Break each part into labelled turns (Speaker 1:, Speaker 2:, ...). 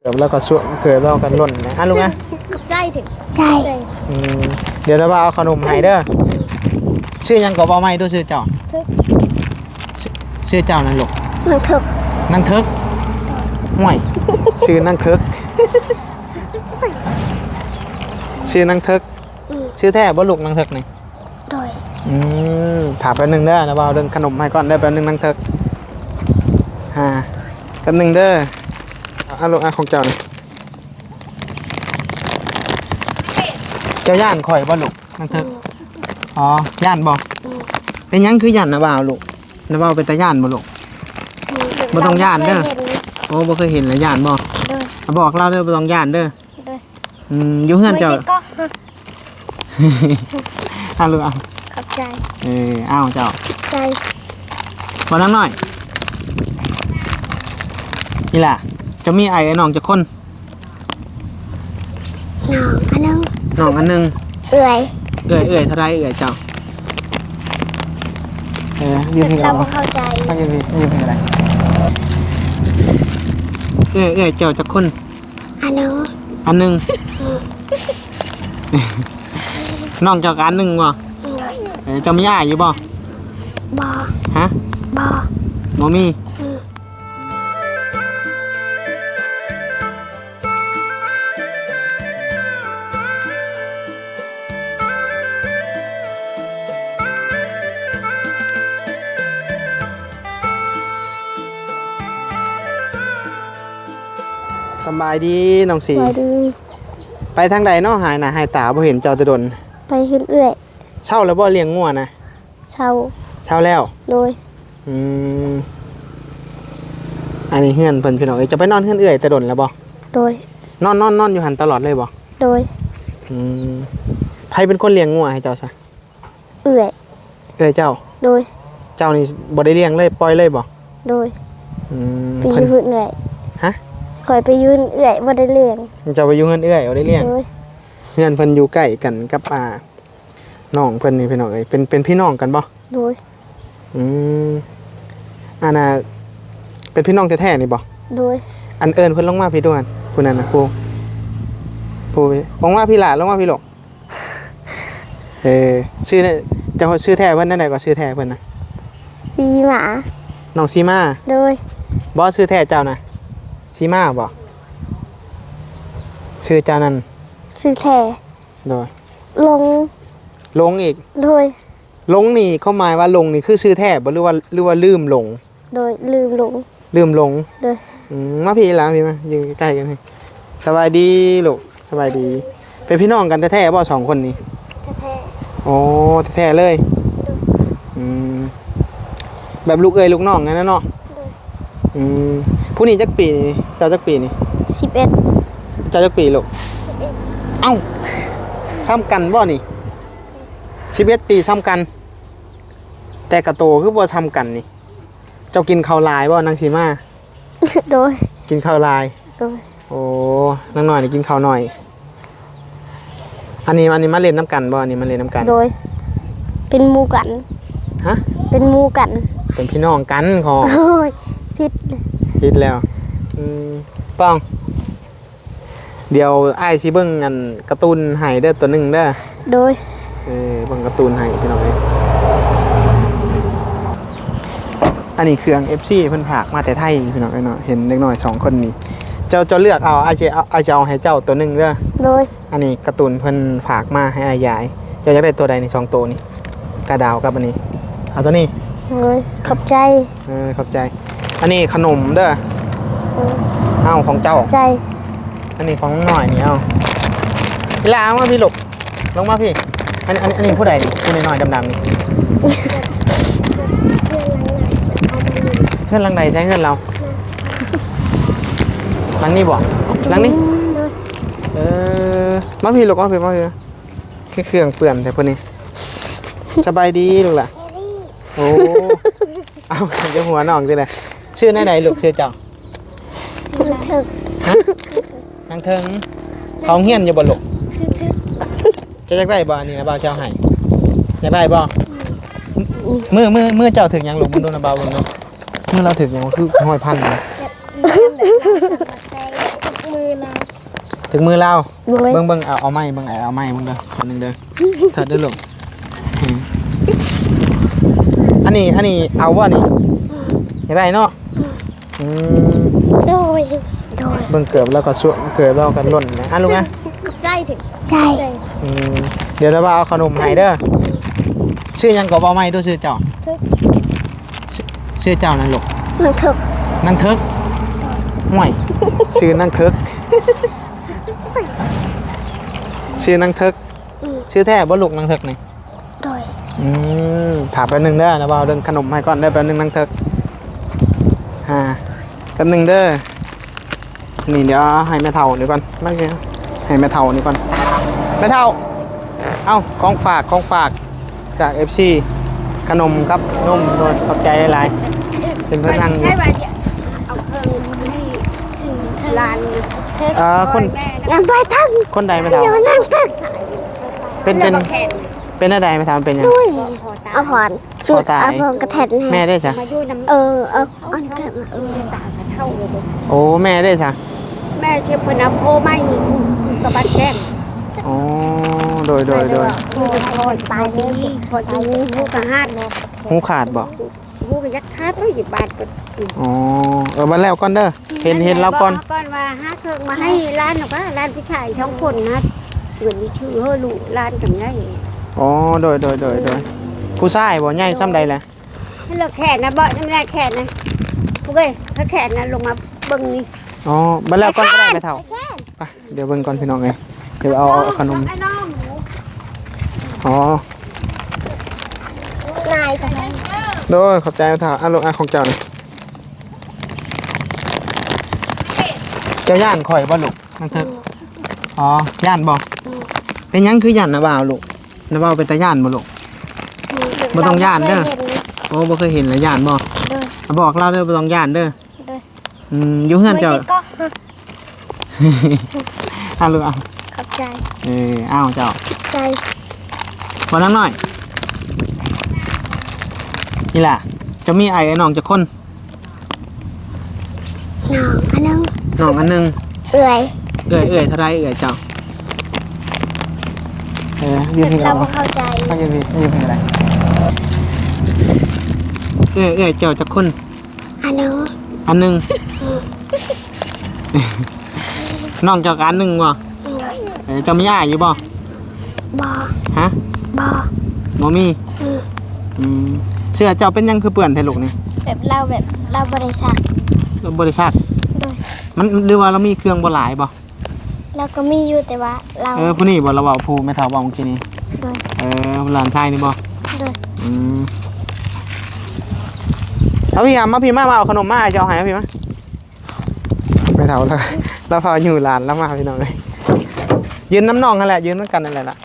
Speaker 1: แล้วก็สวมเกิดเรากันหล่นนะลูกนะ
Speaker 2: กับใจถึง
Speaker 3: ใจ
Speaker 1: เดี๋ยวเราเอาขนมให้เด้อชื่อยังก็บ่ไม่ดูชื่อเจ้าชื่อเจ้านั่นลูก
Speaker 3: นั่งเถก
Speaker 1: นั่งเทิกห่วยชื่อนั่งเทิกชื่อนั่งเทิกชื่อแท้บ่ลูกนั่งเทิกนี่
Speaker 3: โดย
Speaker 1: ถามแป๊บนึงเด้อนะบ่าวเรื่องขนมให้ก่อนได้แป๊บนึงนั่งเทิกแป๊บนึงเด้อเอาลูกของเจ้านี่เจ้าย่านข่อยบ่ลูกนั่งเทิกอ๋อย่านบ่เป็นยังคือย่านนะบ่าวลูกนะบ่าวเป็นตาย่านบ่ลูกบ่ต้องย่านเด้อโอ้บ่เคยเห็นเลยย่านบ่บอกเล่าเด้อบ่ต้องย่านเด้ออยู่เฮือนเจ้าเอาลูกเอา
Speaker 3: ขอบใจ
Speaker 1: เอาเจ้า
Speaker 3: ใจ
Speaker 1: บ่นั่งหน่อยนี่ล่ะจะมีไอ้น้องจะคนน้องอันนึง
Speaker 3: เอื่อย
Speaker 1: เท่าไรเจ้ายืมเพลงอะไร
Speaker 3: เข้าใจ
Speaker 1: ไม่ยืมเพลงอะไรเจ้าจะคน
Speaker 3: อัน
Speaker 1: นึงน้องเจ้ากันนึงวะเจ้ามีอ้ายอยู่บ่ฮะบ่มีสบายดีน้องสีไปทางใดเนาะหายหน้าหายตาบ่เห็นเจ้าตะดน
Speaker 3: ไปขึ้นเอื่อย
Speaker 1: เช่าแล้วบ่เลี้ยงงัวนะ
Speaker 3: เช่า
Speaker 1: แล้ว
Speaker 3: โดย
Speaker 1: อันนี้เฮือนเพิ่นพี่น้องจะไปนอนเฮือนเอื่อยตะดนแล้วบ่
Speaker 3: โดย
Speaker 1: นอนอยู่หันตลอดเลยบ่
Speaker 3: โดย
Speaker 1: ใครเป็นคนเลี้ยงงัวให้เจ้าซะ
Speaker 3: เอื่อย
Speaker 1: เจ้า
Speaker 3: โดย
Speaker 1: เจ้านี่บ่ได้เลี้ยงเลยปล่อยเลยบ่
Speaker 3: โดยไปยืนเอื่อย
Speaker 1: ฮะ
Speaker 3: คอยไปยืนเอื่อยบ่ได้เลี้ยง
Speaker 1: เจ้าไปอยู่เฮือนเอื่อยบ่ได้เลี้ยงเฮือนเพิ่นอยู่ใกล้กันกับน้องเพิ่นนี่พี่น้องเอ้ยเป็นพี่น้องกันบ่
Speaker 3: โดย
Speaker 1: อันน่ะเป็นพี่น้องแท้ๆนี่บ่
Speaker 3: โดย
Speaker 1: อันเอิญเพิ่นลงมาพี่ด้วยผู้นั้นนะผู้ลงมาพี่หลานลงมาพี่หลกชื่อเนี่ยจะชื่อแท้เพิ่นนั่นไหนก็ชื่อแท้เพิ่นนะ
Speaker 3: ซีมา
Speaker 1: น้องซีมา
Speaker 3: โดย
Speaker 1: บ่ชื่อแท้เจ้านะซีมาบ่ชื่อเจ้านั้น
Speaker 3: ชื่อแท้
Speaker 1: โดย
Speaker 3: ลง
Speaker 1: อีก
Speaker 3: โดย
Speaker 1: ลงนี่เขาหมายว่าลงนี่คือชื่อแท้บ่หรือว่าลืมลง
Speaker 3: โดยลืมลงโดย
Speaker 1: มาพี่หลังพี่มายืนใกล้กันนี่สบายดีลูกสบายดีเป็นพี่น้องกันแท้ๆบ่สองคนนี้
Speaker 3: แท้
Speaker 1: โอ้แท้ๆเลยแบบลูกลูกน้องงั้นนะเนาะผู้นี้จักปีเจ้าจักปีนี่
Speaker 3: 11
Speaker 1: เจ้าจักปีลูกเอ้าซ้ำกันบ่นี่11 ปีซ้ำกันแต่กระโตคือบ่ซ้ำกันนี่เจ้ากินข้าวลายบ่นางสีมา
Speaker 3: โดย
Speaker 1: กินข้าวลาย
Speaker 3: โดย
Speaker 1: โอ้นางหน่อยนี่กินข้าวหน่อยอันนี้มาเล่นน้ำกันบ่อันนี้มาเล่นน้ำกัน
Speaker 3: โดยเป็นหมู่กัน
Speaker 1: ฮะ
Speaker 3: เป็นหมู่กัน
Speaker 1: เป็นพี่น้องกันของ
Speaker 3: โอ้ยผิด
Speaker 1: แล้วป้องเดี๋ยวไอ้สิเบิ่งอันการ์ตูนให้เด้อตัวนึงเด้อ
Speaker 3: โดย
Speaker 1: เบิ่งการ์ตูนให้พี่น้องเอ้ยอันนี้เครื่อง FC เพิ่นฝากมาแต่ไทยพี่น้องเอ้ยเนาะเห็นเด็กน้อย2คนนี้เจ้าเลือกเอาอาจจะเอาให้เจ้าตัวนึงเด้อ
Speaker 3: โดย
Speaker 1: อันนี้การ์ตูนเพิ่นฝากมาให้อายายเจ้าอยากได้ตัวใดใน2ตัวนี้กระดาวกับอันนี้เอาตัวนี้
Speaker 3: โดยขอบใจ
Speaker 1: ขอบใจอันนี้ขนมเด้อเอาของเจ้า
Speaker 3: ใจ
Speaker 1: อันนี้ของหน่อยนี่เอาพี่ลามาพี่หลบลงมาพี่อันนี้ผู้ใดนี่ผู้น้อยๆดำๆนี่เพื่อนหลังใดใช้เพื่อนเราหลังนี้บ่หลังนี้มาพี่หลบมาพี่แค่เครื่องเปื่อนแต่พวกนี้สบายดีลูกล่ะโอ้เอาจะหัวน้องสิเลยชื่อไหนลูกชื่อเจ้า
Speaker 3: นางเถิง
Speaker 1: นางเถิงเขาเฮี้ยนอยู่บ่ลูกจะอยากได้บ่อันนี้นะบ่าวเจ้าให้อยากได้บ่มือเจ้าถึงยังลูกมันโดนบ่าวบนเนาะมือเราถึงยังคือห้อยพันนะ
Speaker 3: อเรา
Speaker 1: ถึงมือเรา
Speaker 3: โดย
Speaker 1: เบิ่งเอาไม้เบิ่งเอาไม้เบิ่งเด้อคนนึงเด้อเถิดเด้อลูกอันนี้เอาบ่นี่อยากได้เนาะอืม
Speaker 3: โดย
Speaker 1: เบิ่งเกือบแล้วก็สวมเกือบแล้วก็หล่นนะลูกนะ
Speaker 3: ใจถึงใจ
Speaker 1: เดี๋ยวเราเอาขนมให้เด้อชื่อหยังก็บ่ไม้ดูชื่อเจ้าชื่อเจ้านั่นลูก
Speaker 3: มันถึก
Speaker 1: นางเทิกห่วยชื่อนางเทิกชื่อนางเทิกชื่อแท้บ่ลูกนางเทิกนี่
Speaker 3: โดย
Speaker 1: ถามแป๊บนึงเด้อนะบ่าวเรื่องขนมให้ก่อนเด้อแป๊บนึงนางเทิกแป๊บนึงเด้อนี่เดี๋ยวให้แม่เฒ่าเดี๋ยวก่อนไม่ใช่ให้แม่เฒ่านี่ก่อนแม่เฒ่าเอ้าของฝากจาก FC ขนมครับนมโดยขอบใจหลายๆเป็นเพื่อนนั่งอยู่
Speaker 3: เอาเพิ่มให้สิ่งลาน
Speaker 1: คน
Speaker 3: งานไปทั้ง
Speaker 1: คนใดไม่เฒ่า
Speaker 3: อย่ามานั่งทั้ง
Speaker 1: เป็นอะไรไม่ทำเป็นยัง
Speaker 3: ด้วยเอาผ่อนชุด
Speaker 1: ตาย
Speaker 3: เอาผ่อนกระแทก
Speaker 1: แม่ได้จ้ะ
Speaker 3: เอาอันเกิดมา
Speaker 2: ต่างกันเท่าเลย
Speaker 1: โอ้แม่ได้จ้ะ
Speaker 2: แม่เชื่อพนับโพไม่กระบัดแก้ม
Speaker 1: อ๋อโดย
Speaker 2: พูดพอตายนี้พอดูพูดกระหาด
Speaker 1: หูขาดบ่
Speaker 2: พูดกระยักคาดไม่หยิบบาดก็
Speaker 1: อ๋อมาแล้วก่อนเด้อเห็นแล้วก่อน
Speaker 2: ก่อนว่าหาเครื่องมาให้ร้านหรอกว่าร้านผู้ชายท้องคนนะเหมือนมีชื่อเฮลูร้านกับไง
Speaker 1: อ๋อโดยผู้ชายบ่ใหญ่ซ้ำใดแหละ
Speaker 2: ให้เราแขนนะเบาะน้ำลายแขนนะกูเว้ยถ้าแขนนะลงมาเบิ่งนี่
Speaker 1: อ๋อมาแล้วก่อนก็ได้ไม่เท่าไปเดี๋ยวเบิ่งก่อนพี่น้องเอ้ยเดี๋ยวเอาขนม
Speaker 2: ไอ้น้องหนู
Speaker 1: อ๋อน
Speaker 3: ายกัน
Speaker 1: โดยขอบใจไม่เท่าอ่ะลูกอ่ะของเจ้านี่เจ้าย่านข่อยบ่ลูกนั่นเถอะอ๋อย่านบ่เป็นหยังคือย่านนะบ่าวลูกนะบ่าวเป็นตาย่านบ่ลูก บ่ต้องย้านเด้อ โอ้บ่เคยเห็นเลยย่านบ่บอกเราเด้อบ่ต้องย่านเด้ออยู่เฮือนเจ้าเอาลูกเอา
Speaker 3: ขอบใจ
Speaker 1: เอาเจ้า
Speaker 3: ใจ
Speaker 1: บ่นั่งหน่อยนี่ล่ะจะมีไอ้น้องจักคน
Speaker 3: น้องอันนึง
Speaker 1: น้องอันนึง
Speaker 3: เอื่อย
Speaker 1: เอ้ยเท่าไรเอ้ยเจ้ายืนให้
Speaker 3: เรา
Speaker 1: เรา
Speaker 3: ไม่เข้าใจ
Speaker 1: ไม่ยืนให้อะไรเอ้ยเจ้าจักคน
Speaker 3: อันนึง
Speaker 1: อันนึงน้องเจ้ากันนึงบ่เจ้ามีอ้ายอยู่บ่
Speaker 3: บอ
Speaker 1: ฮะ
Speaker 3: บอ
Speaker 1: บ่มีเสื้อเจ้าเป็นยังคือเปื้อนแท้ลูกนี่
Speaker 3: แบบเราบริษัท
Speaker 1: บริษัท
Speaker 3: โดย
Speaker 1: มันหรือว่าเรามีเครื่องบ่หลายบ่
Speaker 3: เราก็มีอยู่แต่ว่าเรา
Speaker 1: ผู้นี้บ่เราเว้าผู้แม่เฒ่าเว้าเมื่อกี้นี้
Speaker 3: โดย
Speaker 1: หลานชายนี่บ่
Speaker 3: โดย
Speaker 1: เอาพี่มาพี่มาเอาขนมมาให้เจ้าให้พี่มาแม่เฒ่าแล้วเราพาอยู่หลานแล้วมาพี่น้องเอ้ยยืนน้ำน้องนั่นแหละยืนด้วยกันนั่นแหละล่ะ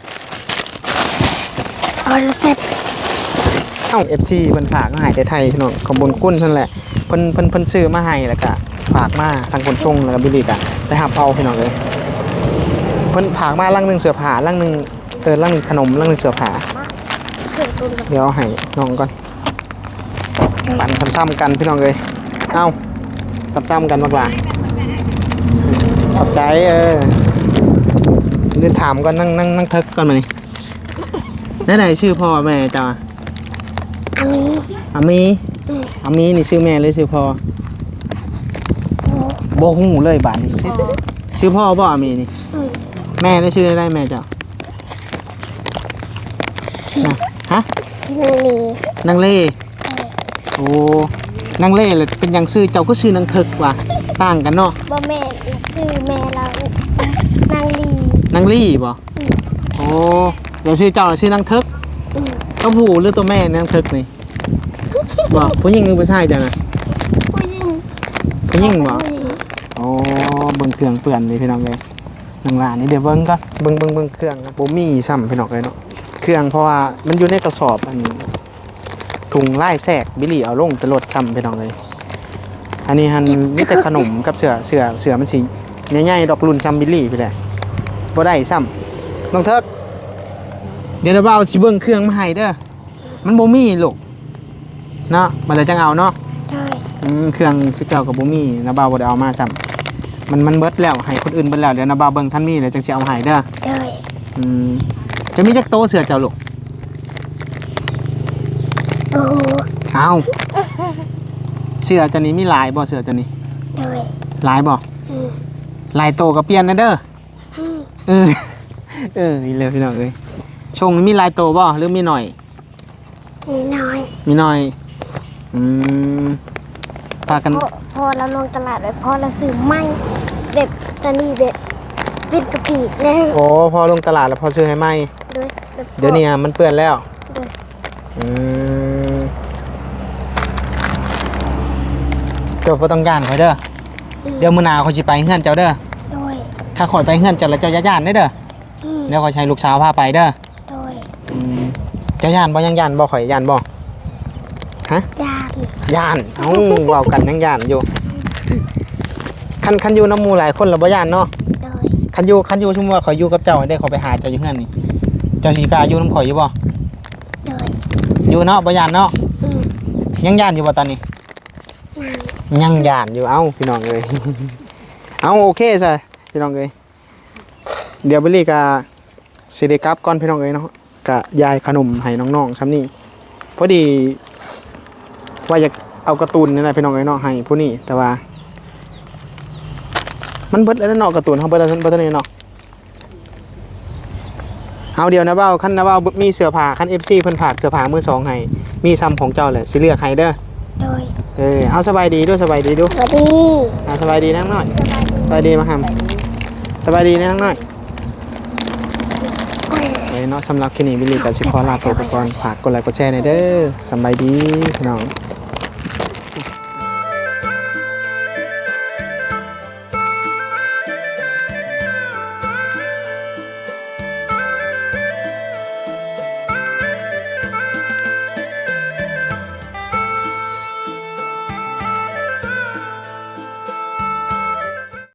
Speaker 3: เอาละเสร็จ
Speaker 1: FC เพิ่นฝากมาให้แต่ไทยพี่น้องขอบคุญคุณเพิ่นแหละเพิ่นซื้อมาให้แล้วก็ฝากมาทางคนส่งแล้วก็บิลลี่ก็ได้รับเอาพี่น้องเอ้ยเพิ่นฝากมาลังนึงเสื้อผ้าลังนึงลังนึงขนมลังนึงเสื้อผ้าเดี๋ยวให้น้องก่อนปั่นซ้ำๆกันพี่น้องเอ้ยซ้ำๆกันมากว่าขอบใจเดี๋ยวถามก่อนนั่งทึกก่อนมานี่ได้ไหนชื่อพ่อแม่เจ้าอามีนี่ชื่อแม่หรือชื่อพ่อโบหูเลยบาทนี่ชื่อพ่อบ่อามีนี่แม่ได้ชื่อได้แม่เจ้าฮะ
Speaker 3: นางลี
Speaker 1: นางเล่โอ้นางเล่เลยเป็นอย่างชื่อเจ้าก็ชื่อนางทึกว่ะต่างกันเนาะ
Speaker 3: บ่แม่ซื้อแม่เรานางลี
Speaker 1: นางลี่บ่โอ้เดี๋ยวชื่อเจ้าชื่อนางทึกก็ผู้หรือตัวแม่นางทึกนี่บ่ผู้หญิงหรือผู้ชายจ้ะนะ
Speaker 3: ผู้หญิง
Speaker 1: ผู้หญิงบ่โอ้เบิ่งเครื่องเปื่อนเลยพี่น้องเลยนางหลานนี่เดี๋ยวเบิ่งก่อนเบิ่งเครื่องบ่มีซ้ำพี่น้องเลยเนาะเครื่องเพราะว่ามันอยู่ในกระสอบอันถุงไล่แทรกบิลลี่เอาลงตลดซ้ำพี่น้องเลยอันนี้ฮันมีแต่ขนมกับเสือมันสิใหญ่ๆดอกรุ่นซ้ำบิลลี่ไปแหละบ่ได้ซ้ำน้องเทิกเดี๋ยวเราเอาสิเบิ่งเครื่องมาให้เด้อมันบ่มีลูกเนาะมาเลยจังเอาเนาะ
Speaker 3: ได้
Speaker 1: เครื่องสิเจ้ากับบ่มีนะบ่าวบ่ได้เอามาซ้มันเบิดแล้วให้คนอื่นเบิดแล้วเดี๋ยวนะบ่าวเบิ่งท่านมีเดี๋ยวจังสิเอาให้เด้อ
Speaker 3: โดย
Speaker 1: จะมีจักโตเสือเจ้าลูก
Speaker 3: โอ้
Speaker 1: เอาเสือตัวนี้มีหลายบ่เสือตัวนี้
Speaker 3: โดย
Speaker 1: หลายบ่
Speaker 3: อืม
Speaker 1: หลายโตก็เปลี่ยนนะเด้อ
Speaker 3: อืม
Speaker 1: นี่เลยพี่น้องเอ้ยชงมีหลายโตบ่หรือมีหน่อย
Speaker 3: นี่น้อย
Speaker 1: มีหน่อยพากัน
Speaker 3: พอเราลงตลาดไปพอเราซื้อไม้แบบตอนนี้แบบเป็นกระปีดเลย
Speaker 1: โอ้พอลงตลาดแล้วพอซื้อให้ไหม
Speaker 3: โดยแบบ
Speaker 1: เดี๋ยวนี้มันเปื้อนแล้ว
Speaker 3: โดย
Speaker 1: อืมเจ้าบ่ต้องย่านข่อยเด้อเดี๋ยวมื้อหน้าข่อยสิไปเฮือนเจ้าเด้อ
Speaker 3: โดย
Speaker 1: ถ้าข่อยไปเฮือนเจ้าแล้วเจ้าอย่าย่านเด้อ
Speaker 3: อืม
Speaker 1: เดี๋ยวข่อยใช้ลูกสาวพาไปเด้อ
Speaker 3: โดย
Speaker 1: เจ้าย่านบ่ยังย่านบ่ข่อยย่านบ่
Speaker 3: ยาน
Speaker 1: ย่านเอ้าเว้ากันยังย่านอยู่คันอยู่น้ำหมู่หลายคนแล้วบ่ย่านเนาะ
Speaker 3: โดย
Speaker 1: คันอยู่สมมุติว่าข่อยอยู่กับเจ้าได้ข่อยไปหาเจ้าอยู่เฮือนนี่เจ้าสิกล้าอยู่นำข่อยอยู่บ่
Speaker 3: โดย
Speaker 1: อยู่เนาะบ่ย่านเนาะ
Speaker 3: อืม
Speaker 1: ยังย่านอยู่บ่ตอนนี้
Speaker 3: งาน
Speaker 1: ยังย่านอยู่เอ้าพี่น้องเอ้ย เอาโอเคซะพี่น้องเอ้ยเดี๋ยวเบลลี่ก็สิได้กลับก่อนพี่น้องเอ้ยเนาะก็ยายขนมให้น้องๆซ้ำนี่พอดีว่าอยากเอาการ์ตูนนี่แหละพี่น้องเอ้ยเนาะให้ผู้นี้แต่ว่า มันเบิดแล้วเนาะการ์ตูนเฮาเบิดแล้วเบิดแล้วนี่เนาะเอาเดี๋ยวนะเบ้าคันนะเบ้ามีเสื้อผ้าคัน FC เพิ่นฝากเสื้อผ้ามือสองให้มีซ้ำของเจ้าแหละสิเลือกให้เด้อ
Speaker 3: โดย
Speaker 1: เอาสบายดีด้วยสบายดีด้วย
Speaker 3: สวัสดี
Speaker 1: สบายดีนั่งหน่อยสบายดีมาหำสบายดีนั่งหน่อยเนาะสำหรับคลิปนี้บิลลี่กับชิคอลาตัวก่อนฝากกดไลค์กดแชร์หน่อยเด้อสบายดีพี่น้อง